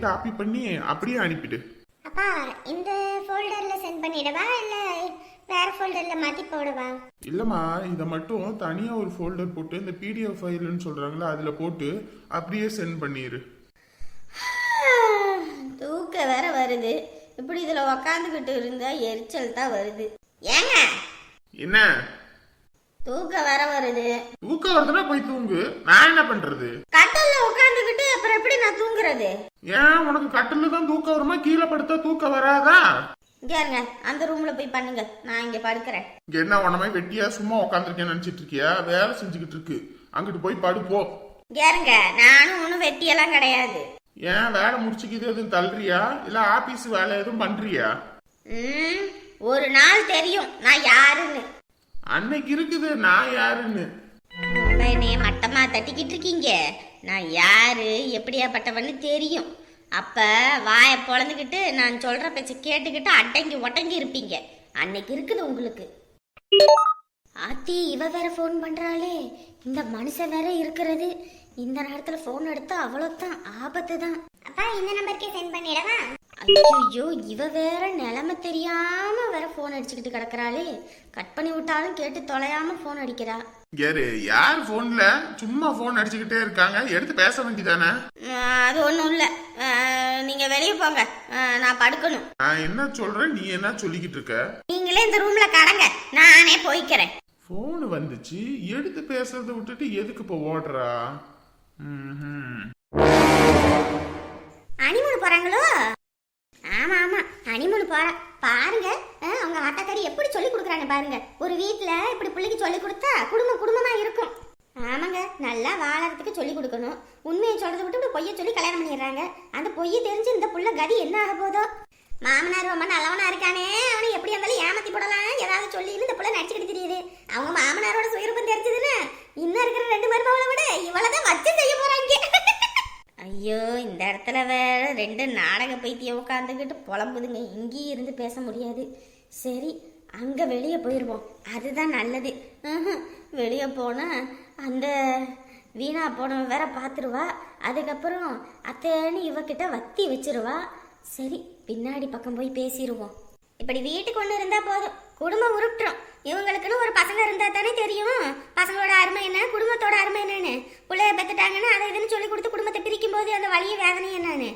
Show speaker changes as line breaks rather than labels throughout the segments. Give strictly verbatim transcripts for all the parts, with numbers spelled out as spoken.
Copy பண்ணி அப்படியே அனுப்பிடு.
அப்பா இந்த ஃபோல்டர்ல சென்ட் பண்ணிடவா இல்ல வேற ஃபோல்டர்ல மாத்தி போடவா?
இல்லம்மா, இதை மட்டும் தனியா ஒரு ஃபோல்டர் போட்டு இந்த பிடிஎஃப் ஃபைல்னு சொல்றாங்களா அதுல போட்டு அப்படியே சென்ட் பண்ணிடு.
தூக்க வேற வருது. இப்படி இதுல உக்காந்துக்கிட்டு இருந்தா எரிச்சல் தான் வருது. ஏங்க
என்ன
தூக்க வேற வருது?
தூக்கம் வருதுன்னா போய் தூங்கு. நான் என்ன பண்றது?
கட்டல்ல உட்காந்துக்கிட்டு அப்புறம் எப்படி நான் தூங்குறது?
ஏன் உனக்கு கட்டில தான் தூக்கம் வருமா? கீழே படுத்தா தூக்கம் வராதா?
இங்க அந்த ரூம்ல போய் பண்ணுங்க, நான் இங்க படுக்கிறேன்.
இங்க என்ன உடனே வெட்டியா சும்மா உட்காந்துருக்கேன்னு நினைச்சிட்டு இருக்கியா? வேலை செஞ்சுக்கிட்டு இருக்கு, அங்கிட்டு போய் படுப்போ.
கேருங்க, நானும் ஒன்னும் வெட்டியெல்லாம் கிடையாது.
ஏன் வேலை முடிச்சுக்கிது எதுவும் தள்ளுறியா இல்ல ஆபீஸ் வேலை எதுவும் பண்றியா?
ம் ஒரு நாள் தெரியும் நான் யாருன்னு.
அன்னைக்கு இருக்குது நான் யாருன்னு.
என்னைய மட்டமா தட்டிக்கிட்டு இருக்கீங்க. நான் யாரு எப்படியாப்பட்டவன்னு தெரியும். அப்ப வாய பொழந்துக்கிட்டு நான் சொல்ற பேச்ச கேட்டுக்கிட்டு அடங்கி ஒட்டங்கி இருப்பீங்க. அன்னைக்கு இருக்குது உங்களுக்கு. ஆத்தி இவ வேற போன் பண்றாளே. இந்த மனுஷன் வேற இருக்கிறது. இந்த நேரத்துல போன் எடுத்தா அவ்வளவுதான் ஆபத்து தான்.
அப்பா இந்த நம்பருக்கே சென்ட் பண்ணிடவா?
ஐயோ இவ வேற நிலைமை தெரியாம வேற போன் அடிச்சுக்கிட்டு கிடக்குறாளே. கட் பண்ணி விட்டாலும் கேட்டு தொலையாம போன் அடிக்கிறா.
யாரு யார் போன்ல சும்மா போன் அடிச்சுக்கிட்டே இருக்காங்க? எடுத்து பேச வேண்டியதானே?
அது ஒண்ணும் இல்ல, நீங்க வெளியே போங்க, நான் படுக்கணும்.
நான் என்ன சொல்றேன், நீ என்ன சொல்லிக்கிட்டு இருக்க?
நீங்களே இந்த ரூம்ல கடங்க, நானே போய்க்கிறேன்.
போன் வந்துச்சு, எடுத்து பேசுறத விட்டுட்டு எதுக்கு இப்ப ஓடுறா?
அனிமூணு போறாங்களோ? ஆமா ஆமா அனிமூணு போற பாருங்க. அவங்க ஆட்டாக்காரி எப்படி சொல்லி கொடுக்குறாங்க பாருங்க. ஒரு வீட்டுல இப்படி பிள்ளைக்கு சொல்லி கொடுத்தா குடும்பம் குடும்பமா இருக்கும். ஆமாங்க, நல்லா வாழறதுக்கு சொல்லி கொடுக்கணும். உண்மையை சொல்றதை விட்டு இப்படி பொய்ய சொல்லி கல்யாணம் பண்ணிடுறாங்க. அந்த பொய்ய தெரிஞ்சு இந்த புள்ள கதி என்ன ஆக போதோ. மாமனார் ரொம்ப நல்லவனா இருக்கானே, அவனை எப்படி இருந்தாலும் ஏமாத்தி போடலாம் ஏதாவது சொல்லி இந்த புள்ள நடிச்சுக்கிட்டு தெரியுது. அவங்க மாமனாரோட சுயரூபம் தெரிஞ்சதுன்னு இன்னும் இருக்கிற ரெண்டு மருமகளை விட இவ்வளவுதான் வச்சு செய்ய போறாங்க.
ஐயோ இந்த இடத்துல வேற ரெண்டு நாடக பைத்தியம் உட்காந்துக்கிட்டு புலம்புதுங்க. இங்கேயும் இருந்து பேச முடியாது. சரி அங்க வெளியே போயிடுவோம், அதுதான் நல்லது. வெளியே போனா அந்த வீணா போனவன் வேற பார்த்துருவா. அதுக்கப்புறம் அத்தைன்னு இவகிட்ட வத்தி வச்சிருவா. சரி பின்னாடி பக்கம் போய் பேசிடுவோம்.
இப்படி வீட்டுக்கு ஒண்ணு இருந்தா போதும், குடும்பம் உருட்டுறோம். இவங்களுக்குன்னு ஒரு பசங்க இருந்தா தானே தெரியும் பசங்களோட அருமை என்ன, குடும்பத்தோட அருமை என்னன்னு. பிள்ளைய பெத்துட்டாங்கன்னா அதை இதுன்னு சொல்லி கொடுத்து குடும்பத்தை பிரிக்கும் போது அந்த வலிய வேதனை என்னன்னு.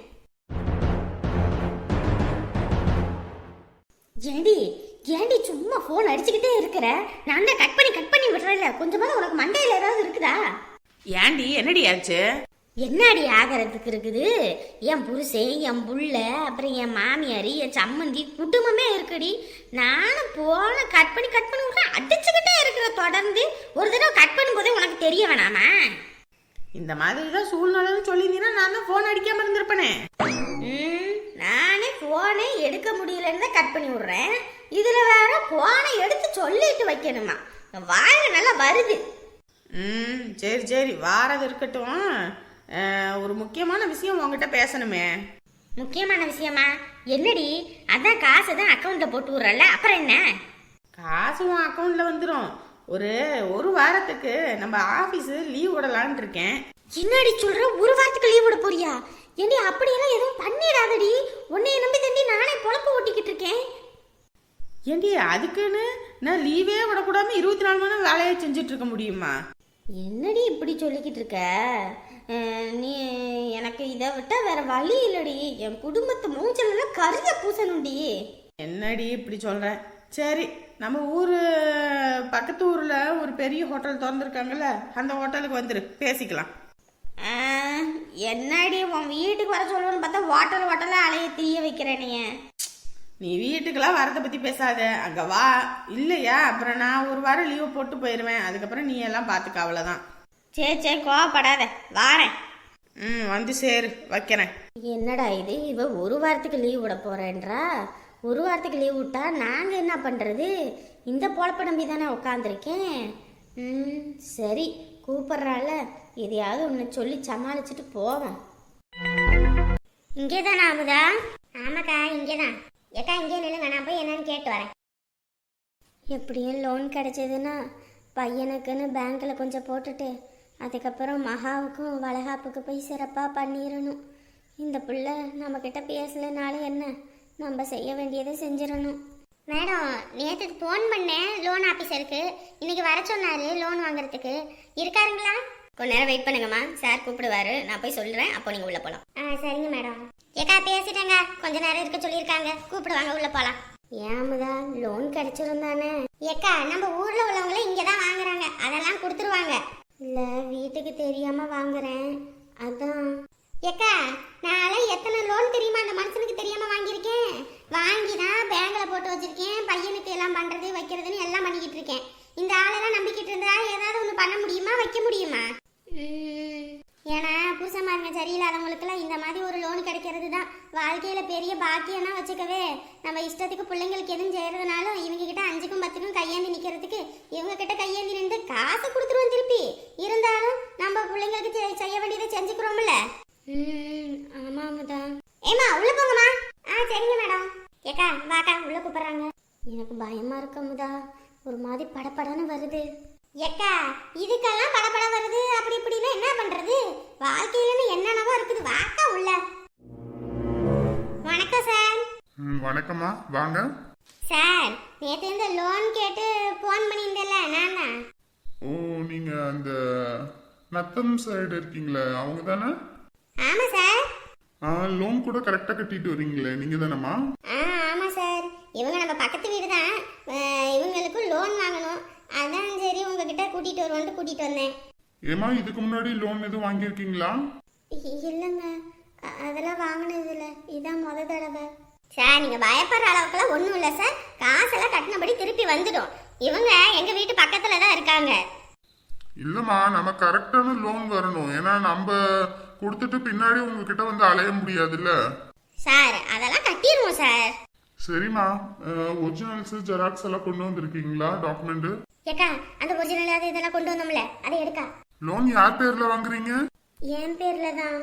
ஏண்டி ஏண்டி சும்மா போன் அடிச்சுக்கிட்டே இருக்கிற? நான் தான் கட் பண்ணி கட் பண்ணி விடுறேன்ல, கொஞ்சமாவது உனக்கு மண்டையில ஏதாவது இருக்குதா?
ஏண்டி என்னடி ஆச்சு?
என்னடி ஆகிறதுக்கு இருக்குது? என் புருஷன், என் புள்ள, அப்புறம் என் மாமியார், என் சம்மந்தி, குடும்பமே இருக்குடி. நானும் போன கட் பண்ணி கட் பண்ணி விட்றேன், அடிச்சுக்கிட்டே இருக்கிற தொடர்ந்து. ஒரு தடவை கட் பண்ணும்போதே உனக்கு தெரிய வேணாமா?
இந்த மாதிரி தான் சூழ்நிலைன்னு சொல்லியிருந்தீங்கன்னா நான் தான் ஃபோன் அடிக்காம இருந்திருப்பேனே.
ம் நானே ஃபோனை எடுக்க முடியலன்னு தான் கட் பண்ணி விட்றேன். இதில் வேற ஃபோனை எடுத்து சொல்லிட்டு வைக்கணுமா? வாயில நல்லா வருது.
ம் சரி சரி வாரது இருக்கட்டும். ஒரு முக்கியமான விஷயம் உங்ககிட்ட பேசணுமே.
முக்கியமான விஷயமா? என்னடி? அதான் காசு தான் அக்கௌண்ட்ல போட்டு விடுறல, அப்புறம் என்ன?
காசு உன் அக்கௌண்ட்ல வந்துடும். ஒரு ஒரு வாரத்துக்கு நம்ம ஆபீஸ் லீவ் விடலான்னு இருக்கேன்.
என்னடி சொல்ற? ஒரு வாரத்துக்கு லீவ் விட போறியா? ஏண்டி அப்படியெல்லாம் எதுவும் பண்ணிடாதடி. உன்னைய நம்பி தண்டி நானே பொழப்பு ஓட்டிக்கிட்டு இருக்கேன்.
ஏண்டி அதுக்குன்னு நான் லீவே விடக்கூடாம இருபத்தி நாலு மணி நேரம் வேலையை செஞ்சுட்டு இருக்க முடியுமா?
என்னடி இப்படி சொல்லிக்கிட்டு இருக்க? நீ எனக்கு இதை விட்டா வேற வழி இல்லடி. என் குடும்பத்தை மூஞ்சல கரிய பூசணும்டி.
என்னடி இப்படி சொல்ற? சரி நம்ம ஊரு பக்கத்து ஊர்ல ஒரு பெரிய ஹோட்டல் திறந்துருக்காங்கல்ல, அந்த ஹோட்டலுக்கு வந்துரு, பேசிக்கலாம்.
என்னடி உன் வீட்டுக்கு வர சொல்லணும்னு பார்த்தா ஹோட்டல் ஹோட்டலா அலைய திரிய வைக்கிறேனே.
நீ வீட்டுக்கெல்லாம் வரதை பத்தி பேசாத, அங்க வா. இல்லையா அப்புறம் நான் ஒரு வாரம் லீவு போட்டு போயிடுவேன். அதுக்கப்புறம் நீ எல்லாம் பாத்துக்க, அவ்வளவுதான்.
சரி சரி கோவப்படாத, வாரேன்.
ம் வந்து சேரு, வைக்கிறேன்.
என்னடா இது, இவ ஒரு வாரத்துக்கு லீவ் விட போறேன்றா. ஒரு வாரத்துக்கு லீவ் விட்டா நாங்க என்ன பண்றது? இந்த பொழப்ப நம்பி தானே உட்காந்துருக்கேன். ம் சரி கூப்பிடுறாள், எதையாவது ஒன்று சொல்லி சமாளிச்சுட்டு போவேன்.
இங்கே தானே அமுதா? ஆமாக்கா இங்கே தான். ஏக்கா இங்கே நில்லுங்க, நான் போய் என்னன்னு கேட்டு வரேன்.
எப்படியும் லோன் கிடைச்சதுன்னா பையனுக்குன்னு பேங்க்கில் கொஞ்சம் போட்டுட்டு அதுக்கப்புறம் மகாவுக்கும் வளகாப்புக்கு போய் சிறப்பாக பண்ணிடணும். இந்த பிள்ளை நம்ம கிட்ட பேசலைனாலும் என்ன, நம்ம செய்ய வேண்டியதை செஞ்சிடணும்.
மேடம் நேற்று ஃபோன் பண்ணேன் லோன் ஆஃபீஸருக்கு, இன்னைக்கு வர சொன்னாரு லோன் வாங்குறதுக்கு. இருக்காருங்களா?
கொஞ்ச நேரம் வெயிட் பண்ணுங்கம்மா, சார் கூப்பிடுவாரு, நான் போய் சொல்றேன், அப்போ நீங்க உள்ள போலாம்.
ஆ சரிங்க மேடம். ஏக்கா பேசிட்டேங்க, கொஞ்ச நேரம் இருக்க சொல்லியிருக்காங்க, கூப்பிடுவாங்க, உள்ள போலாம்.
ஏமுதா லோன் கிடைச்சிருந்தானே?
ஏக்கா நம்ம ஊர்ல உள்ளவங்களே இங்க தான் வாங்குறாங்க, அதெல்லாம் கொடுத்துருவாங்க.
இல்ல வீட்டுக்கு தெரியாம வாங்குறேன், அதான்.
ஏக்கா நான் எத்தனை லோன் தெரியுமா அந்த மனுஷனுக்கு தெரியாம வாங்கியிருக்கேன். வாங்கி தான் பேங்க்ல போட்டு வச்சிருக்கேன், பையனுக்கு எல்லாம் பண்றது வைக்கிறதுன்னு எல்லாம் பண்ணிக்கிட்டு இருக்கேன். இந்த ஆளெல்லாம் நம்பிக்கிட்டு இருந்தா ஏதாவது ஒன்று பண்ண முடியுமா, வைக்க முடியுமா? ஏன்னா புருஷமாருங்க சரியில்லாதவங்களுக்குலாம் இந்த மாதிரி ஒரு லோன் கிடைக்கிறது தான் வாழ்க்கையில பெரிய பாக்கியம்னா வச்சுக்கவே. நம்ம இஷ்டத்துக்கு பிள்ளைங்களுக்கு எதுவும் செய்யறதுனாலும் இவங்க கிட்ட அஞ்சுக்கும் பத்துக்கும் கையேந்தி நிக்கிறதுக்கு இவங்க கிட்ட கையேந்தி நின்று காசு கொடுத்துருவோம் திருப்பி. இருந்தாலும் நம்ம பிள்ளைங்களுக்கு செ- செய்ய வேண்டியதை செஞ்சுக்கிறோம்ல.
ம் ஆமாமுதா.
ஏமா உள்ள போங்கம்மா. ஆ சரிங்க மேடம். ஏக்கா வாக்கா, உள்ள கூப்பிடுறாங்க.
எனக்கு பயமா இருக்கமுதா, ஒரு மாதிரி படபடன்னு வருது.
ஏக்கா இதுக்கெல்லாம் படபட வருது அப்படி இப்படின்னா என்ன பண்றது? வாழ்க்கையில என்னென்னவோ இருக்குது, வாக்கா உள்ள. வணக்கம் சார்.
ம், வணக்கம்மா, வாங்க.
சார் நேற்று இந்த லோன் கேட்டு ஃபோன் பண்ணியிருந்தேன்ல நான் தான்.
ஓ, நீங்க அந்த நத்தம் சைடு இருக்கீங்களே, அவங்க தானே?
ஆமா சார்.
லோன் கூட கரெக்டா கட்டிட்டு வரீங்களே, நீங்க தானேம்மா?
ஆ ஆமா சார், இவங்க நம்ம பக்கத்து வீடு தான். அஹ், இவங்களுக்கும் லோன் வாங்கணும், அதான் சரி உங்ககிட்ட கூட்டிட்டு வருவோன்ட்டு கூட்டிட்டு வந்தேன்.
ஏமா, இதுக்கு முன்னாடி லோன் எதுவும் வாங்கியிருக்கீங்களா?
இ- இல்லைங்க, அ- அதெல்லாம் வாங்கினது இல்லை, இதான் முத தடவை.
சார் நீங்க பயப்படுற அளவுக்குலாம் ஒன்றும் இல்லை சார், காசெல்லாம் கட்டினபடி திருப்பி வந்துடும். இவங்க எங்க வீட்டு பக்கத்துல தான் இருக்காங்க.
இல்லம்மா, நம்ம கரெக்டான லோன் வரணும். ஏன்னா நம்ம கொடுத்துட்டு பின்னாடி உங்ககிட்ட வந்து அலைய முடியாதுல்ல.
சார் அதெல்லாம் கட்டிடுவோம் சார்.
சரிம்மா, ஒரிஜினல்ஸ் ஜெராக்ஸ் எல்லாம் கொண்டு வந்திருக்கீங்களா, டாக்குமெண்ட்?
ஏக்கா அந்த ஒரிஜினல் அது இதெல்லாம் கொண்டு வந்தோம்ல, அதை எடுக்கா.
லோன் யார் பேர்ல வாங்குறீங்க?
என் பேர்ல தான்.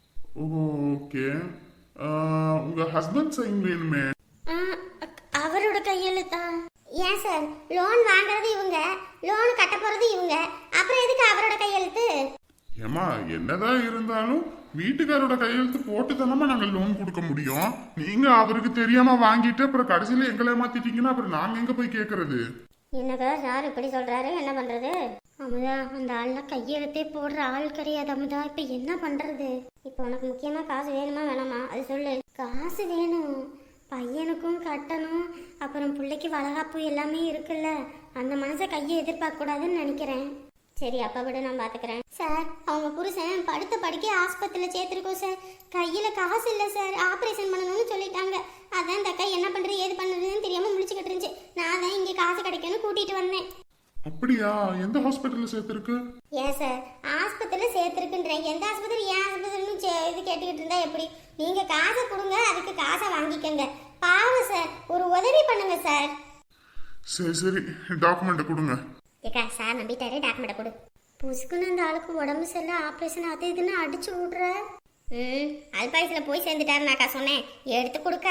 ஓகே. உங்க ஹஸ்பண்ட் சைன் வேணுமே.
ஆ, அக்- அவரோட கையெழுத்தா?
ஏன் சார், லோன் வாங்குறது இவங்க, லோன் கட்ட போறது இவங்க, அப்புறம் எதுக்கு அவரோட கையெழுத்து?
ஏமா, என்னதான் இருந்தாலும் வீட்டுக்காரோட கையெழுத்து போட்டு தானமா நாங்க லோன் கொடுக்க முடியும். நீங்க அவருக்கு தெரியாம வாங்கிட்டு அப்புறம் கடைசியில எங்களை ஏமாத்திட்டீங்கன்னா அப்புறம் நாங்க எங்க போய் கேக்குறது?
என்னக்கா சார் இப்படி சொல்றாரு, என்ன பண்றது?
அமுதா, அந்த ஆள்லாம் கையெழுத்தே போடுற ஆள் கிடையாது அமுதா, இப்ப என்ன பண்றது?
இப்போ உனக்கு முக்கியமா காசு வேணுமா வேணாமா அது சொல்லு.
காசு வேணும், பையனுக்கும் கட்டணும், அப்புறம் பிள்ளைக்கு வளகாப்பு எல்லாமே இருக்குல்ல, அந்த மனசை கையை எதிர்பார்க்க கூடாதுன்னு நினைக்கிறேன்.
சரி அப்பா விட நான் பாத்துக்கிறேன். சார் அவங்க புருஷன் படுத்த படுக்க ஆஸ்பத்திரியில சேர்த்திருக்கோம் சார், கையில காசு இல்ல சார், ஆபரேஷன் பண்ணணும்னு சொல்லிட்டாங்க. அதான் இந்த அக்கா என்ன பண்றது ஏது பண்றதுன்னு தெரியாம முழிச்சுக்கிட்டு இருந்துச்சு. நான் தான் இங்க காசு கிடைக்கும்னு கூட்டிட்டு வந்தேன்.
அப்படியா? எந்த ஹாஸ்பிட்டல்ல சேர்த்திருக்கு?
ஏன் சார் ஆஸ்பத்திரியில சேர்த்திருக்குன்றேன், எந்த ஆஸ்பத்திரி ஏன் ஆஸ்பத்திரின்னு சே- இது கேட்டுக்கிட்டு இருந்தா எப்படி? நீங்க காசை கொடுங்க, அதுக்கு காசை வாங்கிக்கங்க. பாவம் சார், ஒரு உதவி பண்ணுங்க சார்.
சரி சரி, டாக்குமெண்ட் கொடுங்க.
ஏக்கா சார் நம்பிட்டாரு, டாக்குமெண்ட் கொடு.
புசுக்குன்னு அந்த ஆளுக்கு உடம்பு சரியில்லை, ஆப்ரேஷன் அது இதுன்னு அடிச்சு விடுற.
ம் அல்பாயுசில் போய் சேர்ந்துட்டாருனாக்கா சொன்னேன், எடுத்து கொடுக்க.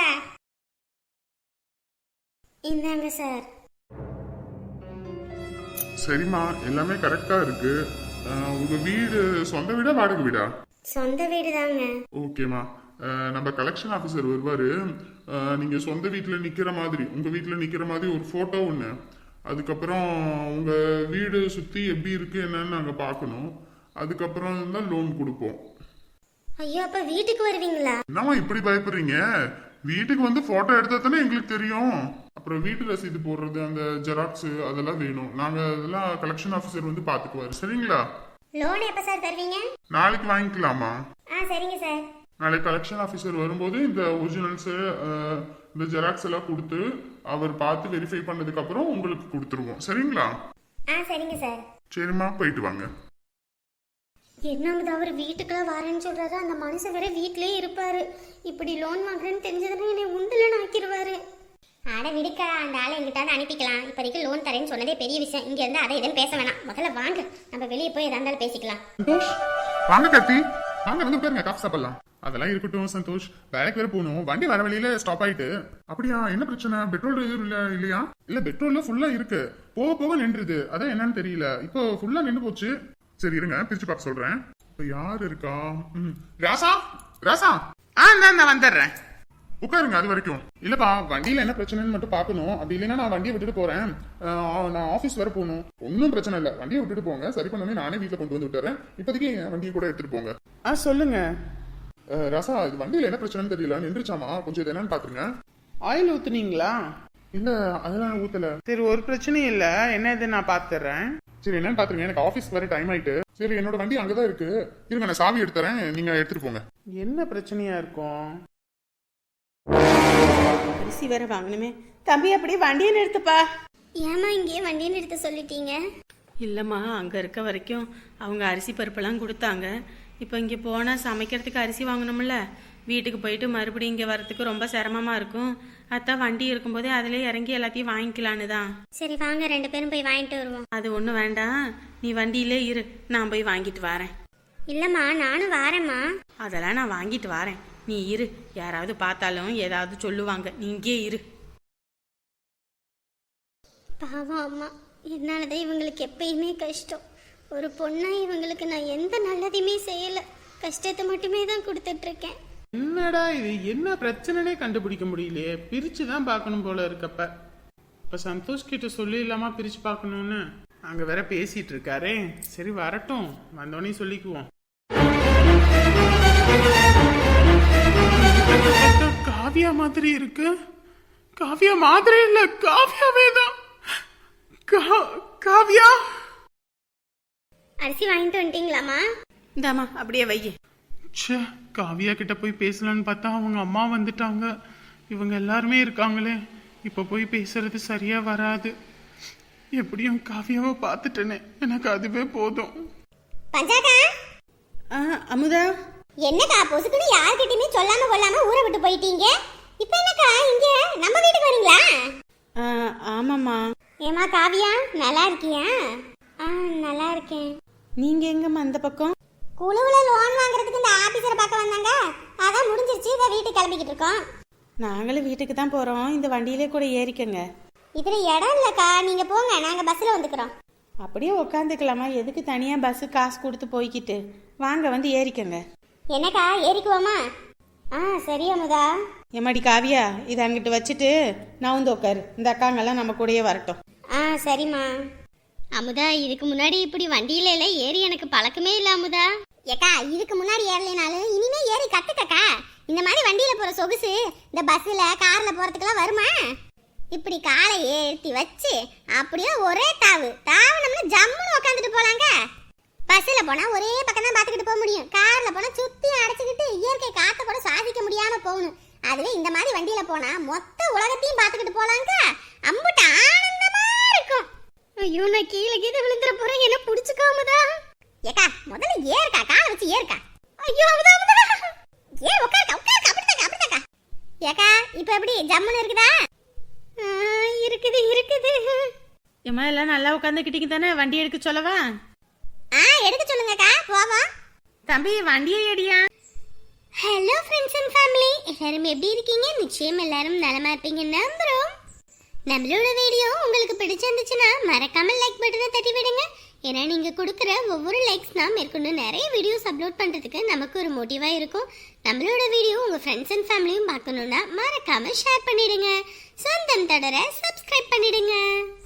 இந்தாங்க சார்.
சரிம்மா, எல்லாமே கரெக்டா இருக்கு. அஹ், உங்க வீடு சொந்த வீடா வாடகை வீடா?
சொந்த வீடு தாங்க.
ஓகேம்மா, அஹ், நம்ம கலெக்ஷன் ஆஃபீஸர் வருவாரு. அஹ், நீங்க சொந்த வீட்டில் நிக்கிற மாதிரி, உங்க வீட்டில் நிக்கிற மாதிரி ஒரு போட்டோ ஒன்று, அதுக்கப்புறம் உங்க வீடு சுத்தி எப்படி இருக்கு என்னன்னு நாங்க பார்க்கணும். அதுக்கப்புறம் தான் லோன் கொடுப்போம்.
ஐயோ, அப்ப வீட்டுக்கு வருவீங்களா?
என்னம்மா இப்படி பயப்படுறீங்க? வீட்டுக்கு வந்து போட்டோ எடுத்தா தானே எங்களுக்கு தெரியும். அப்புறம் வீட்டு ரசீது போடுறது, அந்த ஜெராக்ஸ் அதெல்லாம் வேணும். நாங்க அதெல்லாம் கலெக்ஷன் ஆஃபீஸர் வந்து பாத்துக்குவாரு. சரிங்களா?
லோன் எப்போ சார் தருவீங்க?
நாளைக்கு வாங்கிக்கலாமா?
ஆ சரிங்க சார்.
நாளைக்கு கலெக்ஷன் ஆஃபீஸர் வரும்போது இந்த ஒரிஜினல்ஸ் இந்த ஜெராக்ஸ் எல்லாம் கொடுத்து அவர் பார்த்து வெரிஃபை பண்ணதுக்கு அப்புறம் உங்களுக்கு கொடுத்துருவோம். சரிங்களா?
ஆ சரிங்க சார்.
சரிம்மா, போயிட்டு வாங்க.
என்னமுது அவர் வீட்டுக்குலாம் வரேன்னு சொல்றாரு, அந்த மனுஷன் வேற வீட்லயே இருப்பாரு. இப்படி லோன் வாங்குறேன்னு தெரிஞ்சதுன்னா என்னை உண்டுலன்னு ஆக்கிடுவாரு.
அட விடுக்கா, அந்த ஆளை எங்கிட்ட அனுப்பிக்கலாம். இப்போதைக்கு லோன் தரேன்னு சொன்னதே பெரிய விஷயம், இங்க இருந்து அதை எதுவும் பேச வேணாம். முதல்ல வாங்க, நம்ம வெளியே போய் எதா இருந்தாலும் பேசிக்கலாம்.
சந்தோஷ், வாங்க கத்தி, வாங்க வந்து பாருங்க, காஃபி சாப்பிடலாம். அதெல்லாம் இருக்கட்டும் சந்தோஷ், வேலைக்கு வேற போகணும். வண்டி வர வழியில ஸ்டாப் ஆயிட்டு. அப்படியா? என்ன பிரச்சனை? பெட்ரோல் எதுவும் இல்ல இல்லையா? இல்ல, பெட்ரோல்ல ஃபுல்லா இருக்கு, போக போக நின்றுது. அதான் என்னன்னு தெரியல, இப்போ ஃபுல்லா நின்று போச்சு. சரி இருங்க, பிரிச்சு பார்க்க சொல்றேன். இப்ப யாரு இருக்கா? ம், ராசா ராசா
ஆ நான் நான் வந்துடுறேன்.
உட்காருங்க அது வரைக்கும். இல்லப்பா வண்டியில என்ன பிரச்சனைன்னு மட்டும் பாக்கணும். அப்படி இல்லைன்னா நான் வண்டியை விட்டுட்டு போறேன். ஆஹ், நான் ஆபீஸ் வர போகணும். ஒன்னும் பிரச்சனை இல்ல, வண்டியை விட்டுட்டு போங்க. சரி பண்ணவே நானே வீட்டுல கொண்டு வந்து விட்டுறேன். இப்போதைக்கு என் வண்டியை கூட எடுத்துட்டு போங்க.
ஆ சொல்லுங்க.
ஆஹ், ராசா இது வண்டியில என்ன பிரச்சனைன்னு தெரியல, நின்றுச்சாமா, கொஞ்சம் இது என்னன்னு பாத்துருங்க.
ஆயில் ஊத்துனீங்களா?
இல்ல அதெல்லாம் ஊத்தல.
சரி ஒரு பிரச்சனையும் இல்ல, என்ன இது நான் பாத்துறேன்.
சரி என்னன்னு பாத்துருங்க, எனக்கு ஆபீஸ் வர டைம் ஆயிட்டு. சரி என்னோட வண்டி அங்கதான் இருக்கு, இருங்க நான் சாவி எடுத்துறேன், நீங்க எடுத்துட்டு போங்க.
என்ன பிரச்சனையா இருக்கும்? அரிசி வேற வாங்கணுமே. தம்பி அப்படியே வண்டியை நிறுத்துப்பா.
ஏமா இங்கே வண்டியை நிறுத்த சொல்லிட்டீங்க?
இல்லைம்மா, அங்கே இருக்க வரைக்கும் அவங்க அரிசி பருப்பெல்லாம் கொடுத்தாங்க. இப்போ இங்கே போனால் சமைக்கிறதுக்கு அரிசி வாங்கணும்ல, வீட்டுக்கு போயிட்டு மறுபடியும் இங்கே வரத்துக்கு ரொம்ப சிரமமாக இருக்கும். அதான் வண்டி இருக்கும்போதே அதிலே இறங்கி எல்லாத்தையும் வாங்கிக்கலான்னு தான்.
சரி வாங்க ரெண்டு பேரும் போய் வாங்கிட்டு வருவோம்.
அது ஒன்றும் வேண்டாம், நீ வண்டியிலே இரு, நான் போய் வாங்கிட்டு வரேன்.
இல்லம்மா நானும் வாரேம்மா.
அதெல்லாம் நான் வாங்கிட்டு வரேன், நீ இரு. யாராவது பார்த்தாலும் ஏதாவது சொல்லுவாங்க, நீ இங்கே இரு.
பாவம் அம்மா, என்னாலதான் இவங்களுக்கு எப்பயுமே கஷ்டம். ஒரு பொண்ணா இவங்களுக்கு நான் எந்த நல்லதையுமே செய்யல, கஷ்டத்தை மட்டுமே தான் கொடுத்துட்டு இருக்கேன்.
என்னடா இது, என்ன பிரச்சனைனே கண்டுபிடிக்க முடியலையே. பிரிச்சு தான் பார்க்கணும் போல இருக்கப்ப. இப்ப சந்தோஷ் கிட்ட சொல்லி இல்லாம பிரிச்சு பார்க்கணும்னு அங்க வேற பேசிட்டு இருக்காரே. சரி வரட்டும், வந்தோடனே சொல்லிக்குவோம். காவியா மாதிரி இருக்கு. காவியா மாதிரி இல்ல, காவியாவே தான். காவியா
அரிசி வாங்கிட்டு வந்துட்டீங்களாம்மா?
இந்தாம்மா அப்படியே வையே.
ச்சே, காவியா கிட்ட போய் பேசலான்னு பார்த்தா அவங்க அம்மா வந்துட்டாங்க. இவங்க எல்லாருமே இருக்காங்களே, இப்ப போய் பேசுறது சரியா வராது. எப்படியும் காவியாவை பார்த்துட்டேனே, எனக்கு அதுவே போதும்.
பஞ்சாக்கா,
ஆ அமுதா,
என்னக்கா பொசுக்குன்னு யார்கிட்டயுமே சொல்லாம கொள்ளாம ஊரை விட்டு போயிட்டீங்க? இப்ப என்னக்கா இங்க நம்ம வீட்டுக்கு வரீங்களா?
ஆ ஆமாம்மா.
ஏமா காவியா, நல்லா இருக்கியா? ஆ நல்லா இருக்கேன்.
நீங்கள் எங்கம்மா அந்த பக்கம்?
குழுவுல லோன் வாங்குறதுக்கு இந்த ஆபீசரை பார்க்க வந்தாங்க, அதான் முடிஞ்சிருச்சு, இதை வீட்டுக்கு கிளம்பிக்கிட்டு இருக்கோம்.
நாங்களும் வீட்டுக்கு தான் போகிறோம், இந்த வண்டியிலே கூட ஏறிக்கங்க.
இதுல இடம் இல்லக்கா, நீங்க போங்க, நாங்க பஸ்ல வந்துக்கிறோம்.
அப்படியே உட்காந்துக்கலாமா, எதுக்கு தனியாக பஸ்ஸு காசு கொடுத்து போய்கிட்டு? வாங்க வந்து ஏறிக்கங்க.
என்னக்கா ஏறிக்குவோமா? ஆ சரி அமுதா.
எம்மாடி காவியா, இதை அங்கிட்டு வச்சுட்டு நான் வந்து உட்காரு, இந்த அக்காங்கெல்லாம் நம்ம கூடயே வரட்டும்.
ஆ சரிம்மா. அமுதா, இதுக்கு முன்னாடி இப்படி வண்டியில எல்லாம் ஏறி எனக்கு பழக்கமே இல்ல அமுதா. ஏக்கா இதுக்கு முன்னாடி ஏறலைனாலும் இனிமே ஏறி கத்துக்கக்கா. இந்த மாதிரி வண்டியில போற சொகுசு இந்த பஸ்ல கார்ல போறதுக்கெல்லாம் வருமா? இப்படி காலை ஏற்றி வச்சு அப்படியே ஒரே தாவு தாவுனம்னா ஜம்முன்னு உட்காந்துட்டு போலாங்க. பஸ்ல போனா ஒரே பக்கம் தான் பார்த்துக்கிட்டு போக முடியும், கார்ல போனா சுத்தி அடைச்சிக்கிட்டு இயற்கை காத்த கூட சுவாசிக்க முடியாம போகணும். அதுவே இந்த மாதிரி வண்டியில போனா மொத்த உலகத்தையும் பார்த்துக்கிட்டு போலாங்க, அம்புட்டு ஆனந்தமா இருக்கும். ஐயோ நான் கீழே கீழே விழுந்துற போறேன், என்ன புடிச்சுக்காமதா? ஏக்கா முதல்ல ஏறுக்கா, காலை வச்சு ஏறுக்கா. ஐயோ அமுதா அமுதா, ஏ உட்காருக்கா உட்காருக்கா, அப்படிதாக்கா அப்படிதாக்கா. ஏக்கா இப்ப எப்படி ஜம்முன்னு இருக்குதா? இருக்குது இருக்குது.
ஏம்மா எல்லாம் நல்லா உட்காந்துக்கிட்டீங்க தானே, வண்டி எடுக்க சொல்லவா?
ஆ எடுக்க சொல்லுங்கக்கா, போவோம்.
தம்பி வண்டியை ஏடியா.
ஹலோ ஃப்ரெண்ட்ஸ் அண்ட் ஃபேமிலி, எல்லாரும் எப்படி இருக்கீங்க? நிச்சயம் எல்லாரும் நலமா இருப்பீங்க நம்புறோம். நம்மளோட வீடியோ உங்களுக்கு பிடிச்சிருந்துச்சுன்னா மறக்காம லைக் பட்டனை தட்டி விடுங்க. ஏன்னா நீங்க கொடுக்குற ஒவ்வொரு லைக்ஸ் தான் மேற்கொண்டு நிறைய வீடியோஸ் அப்லோட் பண்றதுக்கு நமக்கு ஒரு மோட்டிவா இருக்கும். நம்மளோட வீடியோ உங்க ஃப்ரெண்ட்ஸ் அண்ட் ஃபேமிலியும் பார்க்கணும்னா மறக்காம ஷேர் பண்ணிடுங்க. சொந்தம் தொடர சப்ஸ்கிரைப் பண்ணிடுங்க.